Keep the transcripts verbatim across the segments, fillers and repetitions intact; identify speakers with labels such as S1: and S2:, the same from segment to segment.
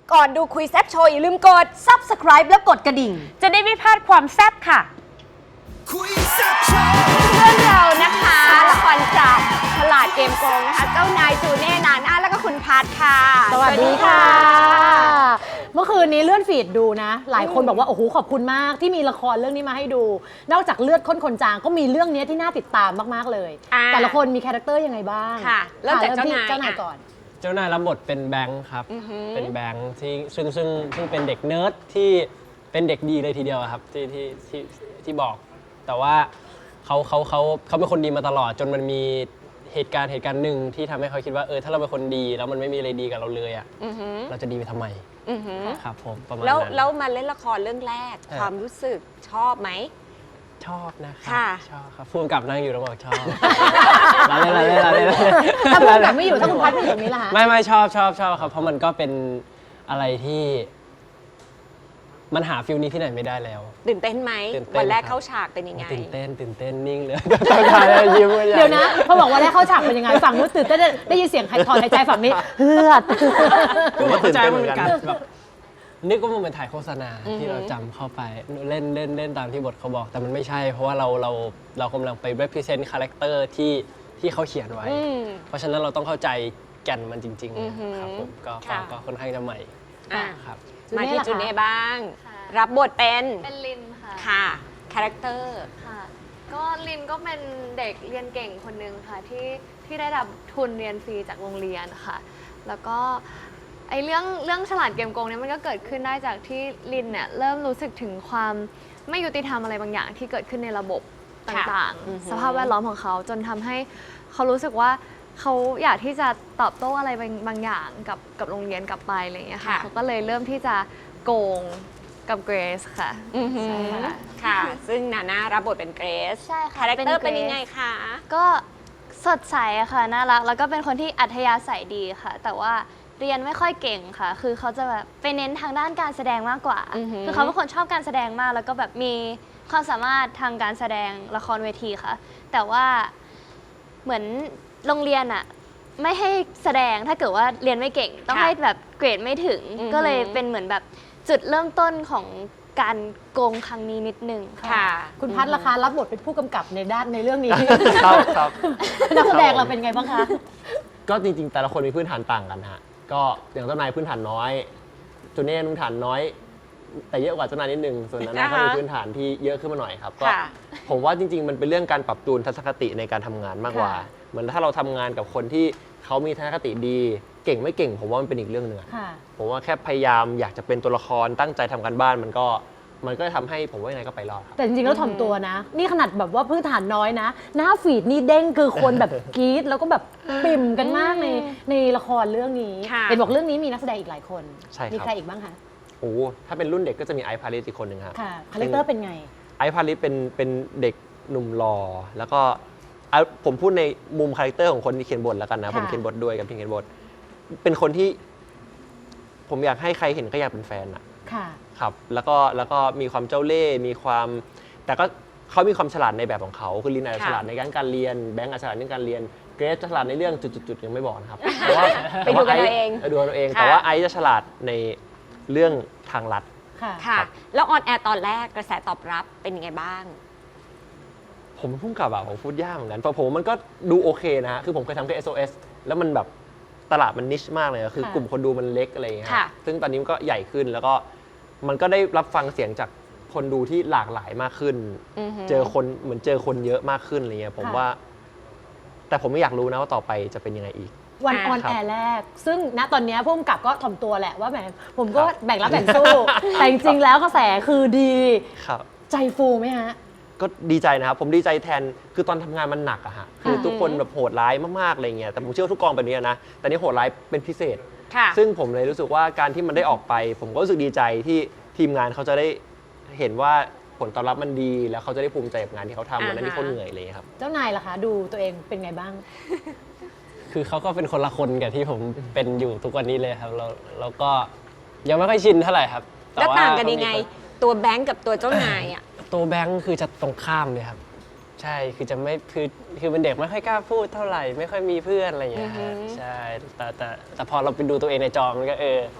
S1: ก่อนดูคุยแซ่บโชว์อย่าลืมกด ซับสไครบ์ แล้วกดกระดิ่ง
S2: จะได้ไม่พลาดความแซ่บค่ะเพื่อนเรานะคะละครจากฉลาดเกมโกงนะคะเจ้านายจูเน่นาน่าแล้วก็คุณพัทค่ะ
S3: สวัสดีค่ะ เมื่อคืนนี้เลื่อนฟีดดูนะ หลายคนบอกว่าโอ้โหขอบคุณมากที่มีละครเรื่องนี้มาให้ดู นอกจากเลือดข้นคนจางก็มีเรื่องนี้ที่น่าติดตามมากๆเลย แต่ละคนมีคาแรคเตอร์ยังไงบ้าง
S2: ค่ะเริ่มจากเจ้านาย
S3: เจ้านายก่อน
S4: เจ้านายรับบทเป็นแบงค์ครับ เป็นแบงค์ที่ซึ่งซึ่งซึ่งเป็นเด็กเนิร์ดที่เป็นเด็กดีเลยทีเดียวครับที่ที่ที่ที่บอก แต่ว่าเขาเขาเขาเขาเป็นคนดีมาตลอดจนมันมีเหตุการณ์เหตุการณ์หนึ่งที่ทำให้เขาคิดว่าเออถ้าเราเป็นคนดีแล้วมันไม่มีอะไรดีกับเราเลยอ่ะเราจะดีไปทำไมครับผมประมาณนั้น
S2: แล้วแล้วมาเล่นละครเรื่องแรก
S4: เออ
S2: ความรู้สึกชอบไหม
S4: ชอบนะครั
S2: ค่ะ
S4: ชอบครับพูดกับนั่งอยู่แล้วบอกชอบลาเล่นลาเล่นลาเล่น
S3: ถ้าพูดแบบไม่อยู่ถ้าคุณพัดไม่อยู่ตรงนี้ล่ะฮะ
S4: ไม่ไม่ชอบชอบชอบครับเพราะมันก็เป็นอะไรที่ มันหาฟิลนี้ที่ไหนไม่ได้แล้ว
S2: ตื่นเต้นไหม
S4: ตื่นเต้น
S2: วันแรก
S4: ครับ
S2: เข้าฉากเป็นยังไง
S4: ตื่นเต้นตื่นเต้นนิ่งเลยต้องการยิ้มกันใหญ่
S3: เดี๋ยวนะพอบอกว่าได้เข้าฉากเป็นยังไงฝั่งนู้นตื่นเต้นได้ยินเสียงถอนหายใจฝั่งนี้เฮือด
S5: ผมก็ตื่นเต้นเหมือนกัน
S4: แบบนึกว่ามันเป็นถ่ายโฆษณาที่เราจำเข้าไปเล่นเล่นเล่นตามที่บทเขาบอก แต่มันไม่ใช่ เพราะว่าเราเราเรากำลังไป represent character ที่ที่เขาเขียนไว้
S2: อืม
S4: เพราะฉะนั้นเราต้องเข้าใจแก่นมันจริง
S2: อือหือ
S4: ๆครับผมก็ก็
S2: ค่ะ
S4: ก็ค่อนข้างจะใหม่
S2: อ่ะ
S4: ครับ
S2: มาที่
S3: จู
S2: จู
S3: เน่
S2: เน่
S3: ล่ะคะ
S2: บ้าง
S6: ค่ะ
S2: รับบทเป็น
S6: เป็นลินค่ะ
S2: ค่ะคาแรคเตอร์
S6: ค่ะ ก็ลินก็เป็นเด็กเรียนเก่งคนหนึ่งค่ะที่ที่ได้รับทุนเรียนฟรีจากโรงเรียนค่ะ แล้วก็ไอเรื่องเรื่องฉลาดเกมโกงเนี่ยมันก็เกิดขึ้นได้จากที่ลินเนี่ยเริ่มรู้สึกถึงความไม่ยุติธรรมอะไรบางอย่างที่เกิดขึ้นในระบบต่าง
S2: อือหือ
S6: ๆ สภาพแวดล้อมของเขาจนทำให้เขารู้สึกว่าเขาอยากที่จะตอบโต้อะไรบางบางอย่างกับกับโรงเรียนกลับไปอะไรอย่างเงี้ยค่ะ
S2: ค่ะ
S6: เขาก็เลยเริ่มที่จะโกงกับเกรซค่ะ
S2: อือหือ
S6: ใช่ค่ะ
S2: ค่ะ ซึ่งนาน่ารับบทเป็นเกรซ
S6: ใช่ค่ะ
S2: คาแรคเตอร์
S6: เป็น
S2: เป็น
S6: Grace
S2: ยังไงคะ
S6: ก็สดใสอะค่ะน่ารักแล้วก็เป็นคนที่อัธยาศัยดีค่ะ แต่ว่าเรียนไม่ค่อยเก่งค่ะ คือเขาจะแบบไปเน้นทางด้านการแสดงมากกว่า
S2: อือหือ
S6: คือเขาเป็นคนชอบการแสดงมาก แล้วก็แบบมีความสามารถทางการแสดงละครเวทีค่ะ แต่ว่าเหมือนโรงเรียนอะไม่ให้แสดงถ้าเกิดว่าเรียนไม่เก่ง ต้องให้แบบเกรดไม่ถึง ก็เลยเป็นเหมือนแบบจุดเริ่มต้นของการโกงครั้งนี้นิดนึงค่ะ
S2: ค่ะ
S3: คุณพัดราคารับบทเป็นผู้กำกับในด้านในเรื่องนี้
S5: ครับครับ
S3: นักแสดงเราเป็นไงบ้างคะ
S5: ก็จริงๆ แต่ละคนมีพื้นฐานต่างกันฮะ ก็อย่างเจ้านายพื้นฐานน้อยจูเน่พื้นฐานน้อย แต่เยอะกว่าเจ้านายนิดนึง ส่วนนั้นนะก็มีพื้นฐานที่เยอะขึ้นมาหน่อยครับ ก็
S2: ค่ะ
S5: ผมว่าจริงๆ มันเป็นเรื่องการปรับจูนทัศนคติในการทำงานมากกว่า
S3: ค่ะ
S5: เหมือนถ้าเราทำงานกับคนที่เขามีทัศนคติดี เก่งไม่เก่ง ผมว่ามันเป็นอีกเรื่องหนึ่งอะ
S3: ค่ะ
S5: ผมว่าแค่พยายามอยากจะเป็นตัวละครตั้งใจทำการบ้านมันก็มันก็ทำให้ผมว่ายังไงก็ไปรอดครับ
S3: แต่จริงๆแล้วถ่อมตัวนะ นี่ขนาดแบบว่าพื้นฐานน้อยนะ หน้าฟีดนี่เด้งคือคนแบบกรี๊ดแล้วก็แบบปิ่มกันมากในในละครเรื่องนี้
S2: ค่ะ
S3: เห็นบอกเรื่องนี้มีนักแสดงอีกหลายคน
S5: ใช่ครับ
S3: มีใครอีกบ้างคะ
S5: โอ้โหถ้าเป็นรุ่นเด็กก็จะมีไอซ์พาริสอีกคนหนึ่งครับ
S3: ค่ะคาแรคเตอร์เป็นไง
S5: ไอซ์พาริสเป็นเป็นเด็กหนุ่มหล่อแล้วก็อ่ะผมพูดในมุมคาแรคเตอร์ของคนที่เขียนบทแล้วกันนะ
S3: ค่ะ
S5: ผมเขียนบทด้วยกับพี่เขียนบท เป็นคนที่ ผมอยากให้ใครเห็นก็อยากเป็นแฟนอะ
S3: ค่ะ
S5: ครับ แล้วก็แล้วก็มีความเจ้าเล่ห์มีความ แต่ก็เขามีความฉลาดในแบบของเขาคือลินอาจจะ
S2: ค่ะ
S5: ฉลาดในการการเรียนแบงก์อาจจะฉลาดในการเรียนเกรซจะฉลาดในเรื่องจุดๆๆยังไม่บอกนะครับแต่ว่า
S2: ไปดูกันเอาเอง
S5: ดูกันเอาเอง
S2: ค่ะ
S5: แต่ว่าไอซ์จะฉลาดในเรื่องทางลัด
S3: ค่ะ
S2: ค่ะ แล้วออนแอร์ตอนแรกกระแสตอบรับเป็นยังไงบ้าง
S5: ผมเพิ่งกลับอะผมพูดยากเหมือนกันเพราะผมมันก็ดูโอเคนะฮะคือผมเคยทำแค่ เอส โอ เอส แล้วมันแบบตลาดมันนิชมากเลยอะคือ
S3: ค่ะ
S5: กลุ่มคนดูมันเล็กอะไรอย่างเงี้ย
S2: ค่ะ
S5: ซึ่งตอนนี้มันก็ใหญ่ขึ้นแล้วก็มันก็ได้รับฟังเสียงจากคนดูที่หลากหลายมากขึ้น
S2: อือหือ
S5: เจอคนเหมือนเจอคนเยอะมากขึ้นอะไรเงี้ยผมว่า แต่ผมไม่อยากรู้นะว่าต่อไปจะเป็นยังไงอีก
S3: วันออน
S5: ครับ
S3: แอร์แรก ซึ่งณตอนเนี้ยผู้กำกับก็ถ่อมตัวแหละว่าแหมผมก็
S5: ครับ
S3: แบ่งรับแบ่งสู้ แต่จริงๆแล้วกระแสคือดี
S5: ครับ
S3: ใจฟูไหมฮะ
S5: ก็ดีใจนะครับ ผมดีใจแทนคือตอนทำงานมันหนักอะฮะคือทุกคนแบบโหดร้ายมากๆอะไรเงี้ยแต่ผมเชื่อว่าทุกกองแบบนี้นะแต่นี่โหดร้ายเป็นพิเศษ
S2: ค่ะ
S5: ซึ่งผมเลยรู้สึกว่าการที่มันได้ออกไป ผมก็รู้สึกดีใจที่ทีมงานเขาจะได้เห็นว่าผลตอบรับมันดี แล้วเขาจะได้ภูมิใจกับงานที่เขาทำวันนั้นที่เขาเหนื่อยเลยครับ
S3: เจ้านายล่ะคะ ดูตัวเองเป็นไงบ้าง
S4: คือเขาก็เป็นคนละคนกับที่ผมเป็นอยู่ทุกวันนี้เลยครับแล้วแล้วก็ยังไม่ค่อยชินเท่าไหร่ครับ
S2: แล้ว
S4: ว่
S2: ต่างกันยังไง
S4: เขามี
S2: ตัวแบงก์กับตัวเจ้านายอ่ะ
S4: ตัวแบงค์คือจะตรงข้ามเลยครับ ใช่คือจะไม่คือคือเป็นเด็กไม่ค่อยกล้าพูดเท่าไหร่ ไม่ค่อยมีเพื่อนอะไรอย่างเงี้ยฮะ
S2: อือฮึ
S4: ใช่แต่แต่แต่พอเราไปดูตัวเองในจอมันก็เออ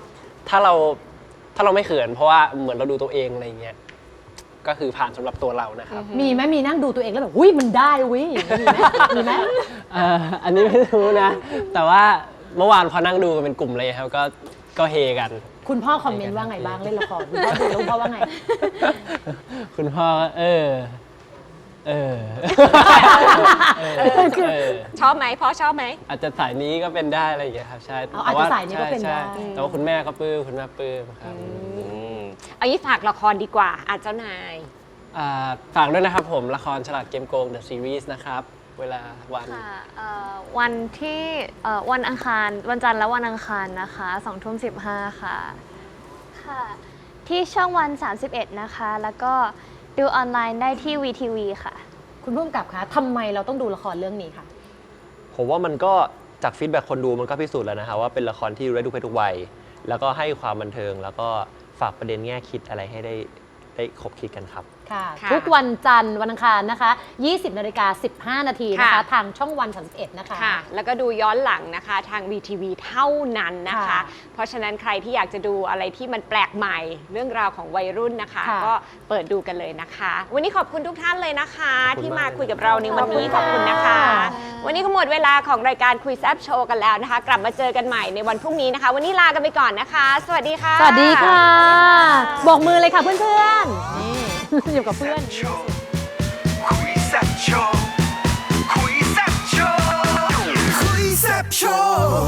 S4: ถ้าเราถ้าเราไม่เขินเพราะว่าเหมือนเราดูตัวเองอะไรเงี้ยก็คือผ่านสำหรับตัวเรานะครับ
S3: มีไหมมีนั่งดูตัวเองแล้วแบบอุ้ยมันได้เวิมีไหมมีไหม
S4: เอ่ออันนี้ไม่รู้นะ แต่ว่าเมื่อวานพอนั่งดูกันเป็นกลุ่มเลยครับก็ก็เฮกัน
S3: คุณพ่อคอมเมนต์ว่าไงบ้างเล่นละครคุณพ่อดูแล้วคุณพ่อว่าไง
S4: คุณพ่อก็เออ เออ เออเออ
S2: ชอบไหมพ่อชอบไหม
S4: อาจจะสายนี้ก็เป็นได้อะไรอย่างเงี้ยครับใช่
S3: เอาอาจจะสายนี้ก็เป็นได้
S4: ใช่ใช่แต่ว่าคุณแม่ก็ปลื้มคุณแม่ปลื้มครับ
S2: เอางี้ฝากละครดีกว่าอาเจ้านาย
S4: อ่าฝากด้วยนะครับผมละครฉลาดเกมโกง The Series นะครับ เวลาวัน
S6: ค่ะเอ่อวันที่เอ่อวันอังคารวันจันทร์และวันอังคารนะคะสองทุ่มสิบห้าค่ะค่ะ ที่ช่องวัน สามสิบเอ็ด นะคะ แล้วก็ดูออนไลน์ได้ที่ วี ที วี ค่ะ
S3: คุณผู้กำกับคะทำไมเราต้องดูละครเรื่องนี้คะ
S5: ผมว่ามันก็จากฟีดแบ็กคนดูมันก็พิสูจน์แล้วนะครับว่าเป็นละครที่ดูได้ทุกเพศทุกวัย แล้วก็ให้ความบันเทิง แล้วก็ฝากประเด็นแง่คิดอะไรให้ได้ได้คบคิดกันครับ
S3: ค่ะ
S2: ค่ะ
S3: ทุกวันจันทร์วันอังคารนะคะ ยี่สิบนาฬิกาสิบห้านาทีนะคะ
S2: ค่ะ
S3: ทางช่องวันสามสิบเอ็ดนะคะ
S2: ค่ะ แล้วก็ดูย้อนหลังนะคะทาง วี ที วี เท่านั้นนะคะ
S3: ค่ะ
S2: เพราะฉะนั้นใครที่อยากจะดูอะไรที่มันแปลกใหม่ เรื่องราวของวัยรุ่นนะคะ
S3: ค่ะ
S2: ก็เปิดดูกันเลยนะคะ วันนี้ขอบคุณทุกท่านเลยนะคะ
S5: ขอบคุณ
S2: ที่
S5: มาม
S2: าก คุยกับเราในวันนี้
S3: ข
S2: ข
S3: อ
S2: อ
S3: บบ คุ
S2: คุณ ณ
S3: ค่ะ
S2: นะคะ วันนี้ก็หมดเวลาของรายการคุยแซบโชว์กันแล้วนะคะ กลับมาเจอกันใหม่ในวันพรุ่งนี้นะคะ วันนี้ลากันไปก่อนนะคะ สวัสดีค่ะ
S3: สวัสดีค่ะ บอกมือเลยค่ะเพื่อนๆ นี่ อยู่กับเพื่อน
S7: คุยแซ่บโชว์คุยแซ่บโชว์คุยแซ่บโชว์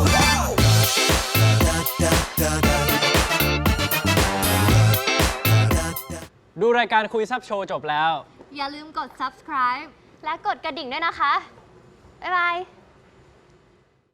S4: ดูรายการคุยแซับโชว์จบแล้ว
S6: อย่าลืมกด subscribe และกดกระดิ่งด้วยนะคะ บ๊ายบาย